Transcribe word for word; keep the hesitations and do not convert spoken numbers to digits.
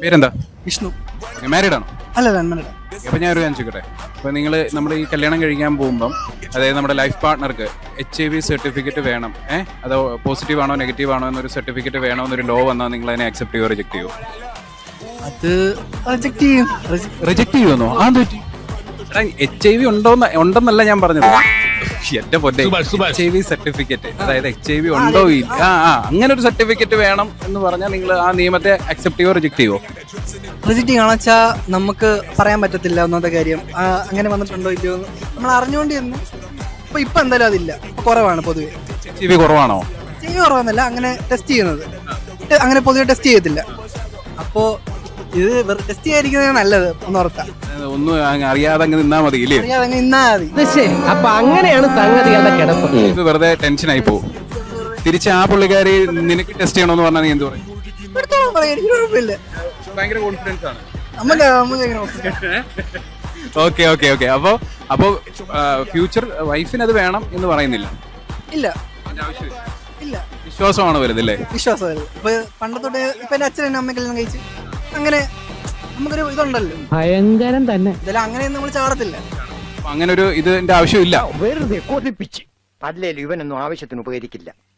പേരെന്താ? വിഷ്ണു. മാരീഡ് ആണോ? അല്ല അൺമാരീഡ്. അപ്പൊ ഞാൻ ഒരു കാര്യം ചോദിക്കട്ടെ, അപ്പൊ നിങ്ങൾ നമ്മുടെ ഈ കല്യാണം കഴിക്കാൻ പോകുമ്പം, അതായത് നമ്മുടെ ലൈഫ് പാർട്ട്ണർക്ക് എച്ച് ഐ വി സർട്ടിഫിക്കറ്റ് വേണം, ഏഹ് അതോ പോസിറ്റീവ് ആണോ നെഗറ്റീവ് ആണോ എന്നൊരു സർട്ടിഫിക്കറ്റ് വേണോ എന്നൊരു ലോ വന്നാൽ നിങ്ങൾ അതിനെ അക്സെപ്റ്റ് ചെയ്യുമോ റിജക്ട് ചെയ്യുമോ? അത് റിജക്ട് ചെയ്യും. റിജക്ട് ചെയ്യുമെന്നോ? ആ പറ്റി എച്ച് ഐ വി ഉണ്ടോന്ന് ഉണ്ടെന്നല്ല ഞാൻ പറഞ്ഞത്, എന്റെ പൊന്നെ എച്ച് ഐ വി സർട്ടിഫിക്കറ്റ്, അതായത് എച്ച് ഐ വി ഉണ്ടോ ഇല്ല, ആ ആ അങ്ങനെ ഒരു സർട്ടിഫിക്കറ്റ് വേണം എന്ന് പറഞ്ഞാൽ നിങ്ങൾ ആ നിയമത്തെ അക്സെപ്റ്റ് ചെയ്യുമോ റിജക്ട് ചെയ്യുമോ? റിജക്ട് ചെയ്യണമെന്ന് വെച്ചാൽ നമുക്ക് പറയാൻ പറ്റത്തില്ല ഒന്നാമത്തെ കാര്യം. ആ, അങ്ങനെ വന്നിട്ടുണ്ടോ ഇല്ലയോ എന്ന് നമ്മൾ അറിഞ്ഞുകൊണ്ട് ചെന്ന് ഇപ്പൊ ഇപ്പൊ എന്തായാലും അതില്ല, ഇപ്പൊ കുറവാണ് പൊതുവെ. എച്ച് ഐ വി കുറവാണോ? എച്ച് ഐ വി കുറവെന്നല്ല, അങ്ങനെ ടെസ്റ്റ് ചെയ്യുന്നത് ടെ- അങ്ങനെ പൊതുവെ ടെസ്റ്റ് ചെയ്യത്തില്ല. അപ്പോ ഇത് ടെസ്റ്റ് ചെയ്യാതിരിക്കുന്നത് നല്ലത്, ഒന്ന് ഓർത്താ. ഒന്നും അങ്ങ് അറിയാതെ അങ്ങ് നിന്നാ മതി ഇല്ലേ? അറിയാതെ അങ്ങ് നിന്നാ മതി. ശരി, അപ്പൊ അങ്ങനെയാണ് സംഗതികളുടെ കിടപ്പ്. ഇത് വെറുതെ ടെൻഷൻ ആയി പോകും. തിരിച്ച് ആ പുള്ളിക്കാരി നിനക്ക് ടെസ്റ്റ് ചെയ്യണമെന്ന് പറഞ്ഞാൽ നീ എന്ത് പറയും? എടുത്തോളാൻ പറയാം, എനിക്ക് കുഴപ്പമില്ല. ഭയങ്കര കോൺഫിഡൻസ് ആണ്. നമുക്ക് നമുക്ക് എങ്ങനെ നോക്കാം? ഓക്കെ ഓക്കെ ഓക്കെ അപ്പോ അപ്പോ ഫ്യൂച്ചർ വൈഫിന് അത് വേണം എന്ന് പറയുന്നില്ല. ഇല്ല അതിന്റെ ആവശ്യമില്ല. ഇല്ല, വിശ്വാസമാണ് വരുന്നില്ലേ? വിശ്വാസമായിരുന്നു. ഇപ്പൊ പണ്ടത്തോട്ട് ഇപ്പൊ എന്റെ അച്ഛനും അമ്മ കല്യാണം കഴിച്ച് അങ്ങനെ നമുക്കൊരു ഇതുണ്ടല്ലോ, ഭയങ്കരം തന്നെ. ഇതെല്ലാം അങ്ങനെ നമ്മൾ ചാടത്തില്ല. അപ്പൊ അങ്ങനെ ഒരു ഇതിന്റെ ആവശ്യമില്ല. വെറുതെ കൊതിപ്പിച്ച് അല്ലേലും ഇവനൊന്നും ആവശ്യത്തിന് ഉപകരിക്കില്ല.